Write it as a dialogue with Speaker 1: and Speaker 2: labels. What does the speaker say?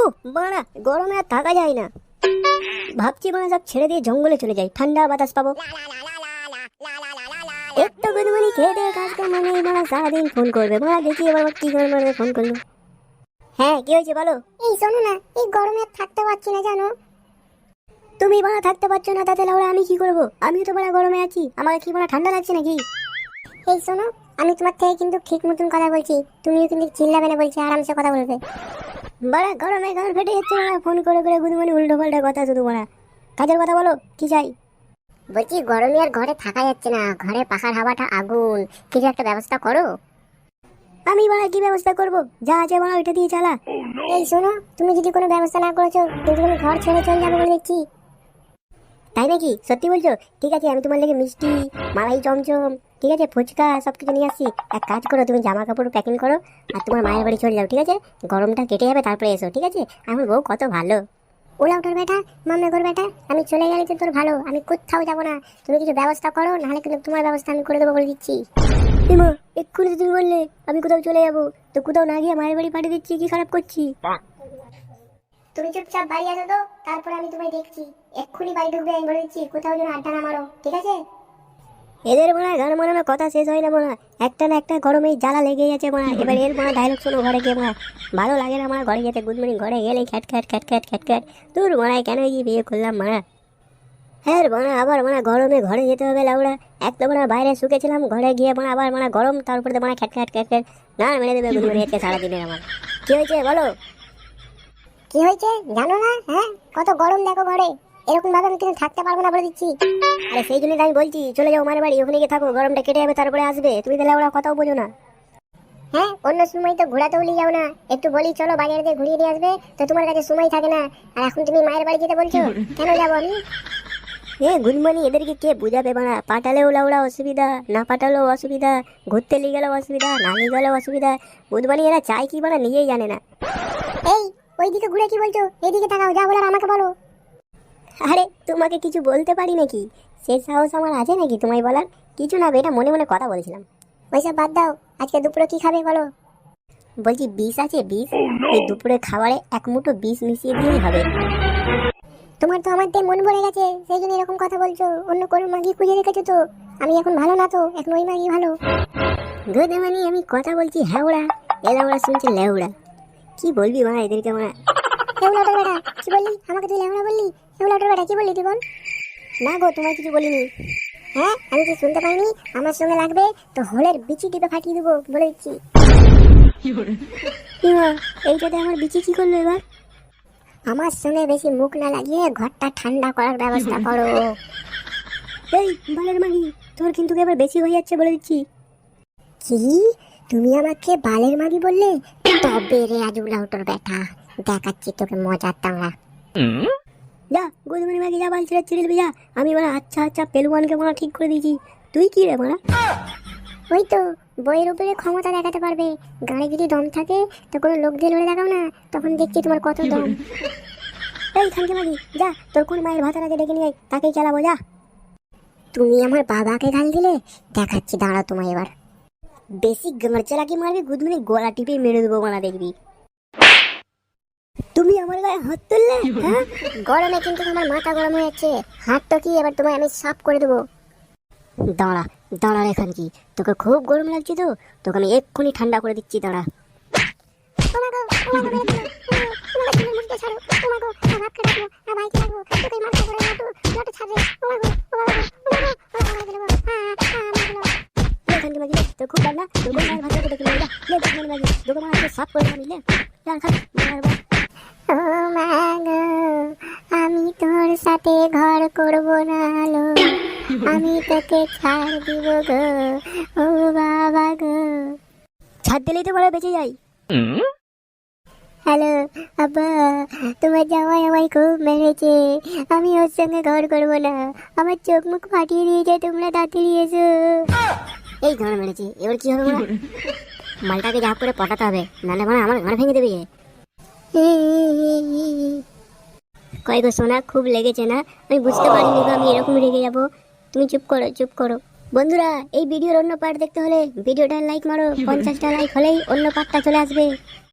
Speaker 1: বাড়া গরমে আর থাকা যায় না। ভাবছি বাড়া সব ছেড়ে দিয়ে জঙ্গলে চলে যাই, ঠান্ডা বাতাস পাবো। একটু গুদমানি খেয়ে দিয়ে কাজ কর মানে বাড়া সারাদিন ফোন করবে। বাড়া দেখি এবার কি করে মানে ফোন করলো। হ্যাঁ কি হয়েছে বলো।
Speaker 2: এই শোনো না, এই গরমে আর থাকতে পারছি না জানো।
Speaker 1: তুমি বাড়া থাকতে পারছো না তাতে লাউড়া আমি কি করবো? আমিও তো বাড়া গরমে আছি, আমাকে কি বাড়া ঠান্ডা লাগছে নাকি?
Speaker 2: এই শোনো, আমি তোমার থেকে কিন্তু ঠিক মতন কথা বলছি, তুমিও কিন্তু চিল্লাবে না বলছি, আরামসে কথা বলবে।
Speaker 1: বাড়া গরমে গান ফেটে যাচ্ছে বাড়া, ফোন করে করে গুদমানি উল্টো পাল্টা কথা শুধু বাড়া। কাজের কথা বলো, কি চাই?
Speaker 2: বলছি গরমে আর ঘরে থাকা যাচ্ছে না, ঘরে পাখার হাওয়াটা আগুন, কিছু একটা ব্যবস্থা করো।
Speaker 1: আমি বাড়া কি ব্যবস্থা করবো? যা আছে বাড়া ওইটা দিয়ে চালা।
Speaker 2: এই শোনো, তুমি যদি কোনো ব্যবস্থা না করেছো কিন্তু তুমি ঘর ছেড়ে চলে যাবে বলে দেখছি।
Speaker 1: তাই নাকি? সত্যি বলছো? ঠিক আছে, আমি তোমার লেগে মিষ্টি, মালাই চমচম, ঠিক আছে, ফুচকা সবকিছু নিয়ে আসছি। এক কাজ করো, তুমি জামা কাপড় প্যাকিং করো আর তোমার মায়ের বাড়ি চলে যাও, ঠিক আছে? গরমটা কেটে যাবে তারপরে এসো, ঠিক আছে? আমার বউ কত ভালো।
Speaker 2: ওলা ওঠার বেটা, মামলা কর বেটা, আমি চলে গেলে তো তোর ভালো, আমি কোথাও যাবো না। তুমি কিছু ব্যবস্থা করো, নাহলে কিন্তু তোমার ব্যবস্থা আমি করে দেবো বলে দিচ্ছি।
Speaker 1: এমা এক্ষুনি তো তুমি বললে আমি কোথাও চলে যাবো, তো কোথাও না গিয়ে মায়ের বাড়ি পাঠিয়ে দিচ্ছি, কি খারাপ করছি?
Speaker 2: তুমি চুপচাপ বাড়ি আসো তো, তারপরে আমি তোমায় দেখছি। এক্ষুনি বাড়ি ঢুকবে আমি বলে দিচ্ছি, কোথাও যেন আড্ডা না মারো, ঠিক আছে?
Speaker 1: এদের মনে হয় গান মানানোর কথা শেষ হয় না মনে হয়, একটা না একটা গরমেই জ্বালা লেগেই আছে মনে হয়। এবার এর মনে ডায়লগ শোনো ঘরে গিয়ে মনে ভালো লাগে না মনে ঘরে যেতে। গুড মর্নিং ঘরে গেলেই খ্যাট খ্যাট খ্যাট খ্যাট খ্যাট খ্যাট। তোর মনে হয় কেন গিয়ে বিয়ে করলাম মনে। হ্যাঁ মনে আবার মনে গরমে ঘরে যেতে হবে লাউড়া। এক তো মনে বাইরে শুকেছিলাম, ঘরে গিয়ে মনে আবার মনে গরম, তারপরে তো মনে খ্যাট খ্যাট খ্যাট খ্যাট না মেরে দেবে গুড মর্নিং আজকে সারাদিনের আমার। কি হয়েছে বলো?
Speaker 2: কি হয়েছে জানো না? হ্যাঁ, কত গরম দেখো ঘরে, এরকম ভাবে আমি কিন্তু থাকতে পারবো না বলে দিচ্ছি।
Speaker 1: আরে সেই জন্যই আমি বলছি চলে যাও মায়ের বাড়ি, ওখানে গিয়ে থাকো, গরমটা কেটে যাবে তারপরে আসবে। তুমি তাহলে ওরা কথাও বোঝো না।
Speaker 2: হ্যাঁ, অন্য সময় তো ঘোরাতেও নিয়ে যাও না, একটু বলি চলো বাজারে দিয়ে ঘুরিয়ে নিয়ে আসবে, তো তোমার কাছে সময় থাকে না। আর এখন তুমি মায়ের বাড়ি যেতে বলছো, কেন যাবো আমি?
Speaker 1: গুনমানি এদেরকে কে বুঝাবে বানা? পাঠালেও লাউড়া অসুবিধা, না পাঠালেও অসুবিধা, ঘুরতে নিয়ে গেলেও অসুবিধা, না নিয়ে গেলেও অসুবিধা। বুধবানি এরা চায় কি বানা নিজেই জানে না।
Speaker 2: এই ওইদিকে ঘুরে কি বলছো? এদিকে তাকাও, যা বলার আমাকে বলো।
Speaker 1: আরে তোমাকে কিছু বলতে পারি নাকি? সে সাহস আমার আছে নাকি তোমায় বলার? কিছু না, এটা মনে মনে কথা বলছিলাম।
Speaker 2: ওইসব বাদ দাও, আজকে দুপুরে কি খাবে বলো?
Speaker 1: বলছি বিষ আছে বিষ? এই দুপুরে খাবারে এক মুঠো বিষ মিশিয়ে দিলেই হবে।
Speaker 2: তোমার তো আমার দিয়ে মন ভরে গেছে, সেই জন্য এরকম কথা বলছো। অন্য কোনো মাগি খুঁজে রেখেছো তো? আমি এখন ভালো না তো, এখন ওই মাগি ভালো।
Speaker 1: গুদমানি আমি কথা বলছি হ্যাওড়া, এলা ওরা শুনছে লেউড়া। কি বলবি মা এদেরকে মা?
Speaker 2: এগুলোটার বেটা কি বললি? আমাকে তুই লেমড়া বললি? এগুলোটার বেটা কি বললি তুই বল?
Speaker 1: না গো, তোমায় কিছু বলিনি।
Speaker 2: হ্যাঁ, আমি কি শুনতে পাইনি? আমার সঙ্গে লাগবে তো হোলের বিচি টিপে ফাটিয়ে দেবো বলে দিচ্ছি।
Speaker 1: এইটাতে আমার বিচি কি করলো এবার?
Speaker 2: আমার সঙ্গে বেশি মুখ না লাগিয়ে ঘরটা ঠান্ডা করার ব্যবস্থা করো।
Speaker 1: এই বালের মাগি, তোর কিন্তু এবার বেশি হয়ে যাচ্ছে বলে দিচ্ছি।
Speaker 2: কি? তুমি আমাকে বালের মাগি বললে? তবে রে আজুলা ওটোর বেটা, দেখাচ্ছি তোকে মজার তামড়া।
Speaker 1: যা গুদমানি মাগি, যা বাল ছেড়ে ছেড়ে দিবি যা। আমি বলা আচ্ছা আচ্ছা পেলুয়ানকে বলা ঠিক করে দিয়েছি। তুই কি রে বলা?
Speaker 2: ওই তো বইয়ের উপরে ক্ষমতা দেখাতে পারবে, গাড়ি যদি দম থাকে তো কোনো লোক দিয়ে লড়ে দেখাও না, তখন দেখছি তোমার কত দম।
Speaker 1: এই খানকে মাগি, যা তোর কোন মায়ের ভাতাটাকে ডেকে নিয়ে আয়, তাকেই চালাবো যা।
Speaker 2: তুমি আমার বাবাকে গাল দিলে, দেখাচ্ছি দাঁড়া তোমায় এবার।
Speaker 1: বেশি গামড়চালাকি মারবি গুদমানি গলা টিপে মেরে দেবো মানা দেখবি। তুমি আমার গায়ে হাত তুললে?
Speaker 2: হ্যাঁ, গরমে কিন্তু আমার মাথা গরম হয়ে যাচ্ছে। হাত তো কি, এবার তোমায় আমি সাফ করে দেবো।
Speaker 1: দাঁড়া দাঁড়া রে খানকি, তোকে খুব গরম লাগছে তো, তোকে আমি এক্ষুনি ঠান্ডা করে দিচ্ছি, দাঁড়া। খানকি মাগি তোর খুব ঠান্ডা, তোর কোন মায়ের ভাতাটাকে ডেকে নিয়ে যা। লে গুদমানি মাগি, তোকে মা আজকে সাফ করে দিলাম লে। যা খা মারবো।
Speaker 2: ও মা গো, আমি তোর সাথে ঘর করব না লো, আমি তোকে ছাড় দিব গো, ও বাবা গো।
Speaker 1: ছাদ দিলেই তো বলে বেঁচে যাই।
Speaker 2: হ্যালো আব্বা, তোমার জামাই আমায় খুব মেরেছে, আমি ওর সঙ্গে ঘর করব না, আমার চোখ মুখ ফাটিয়ে দিয়েছে, তোমরা তাড়াতাড়ি এসো।
Speaker 1: এই গান মেরেছে, এবার কি হবে বলা? মালটাকে যা করে পটাতে হবে, নাহলে মানে আমার ঘর ভেঙে দেবে। কয় গো সোনা, খুব লেগেছে না? আমি বুঝতে পারিনি গো আমি এরকম রেগে যাবো। তুমি চুপ করো চুপ করো। বন্ধুরা, এই ভিডিওর অন্য পার্ট দেখতে হলে ভিডিওটা লাইক মারো, 50টা লাইক হলেই অন্য পার্টটা চলে আসবে।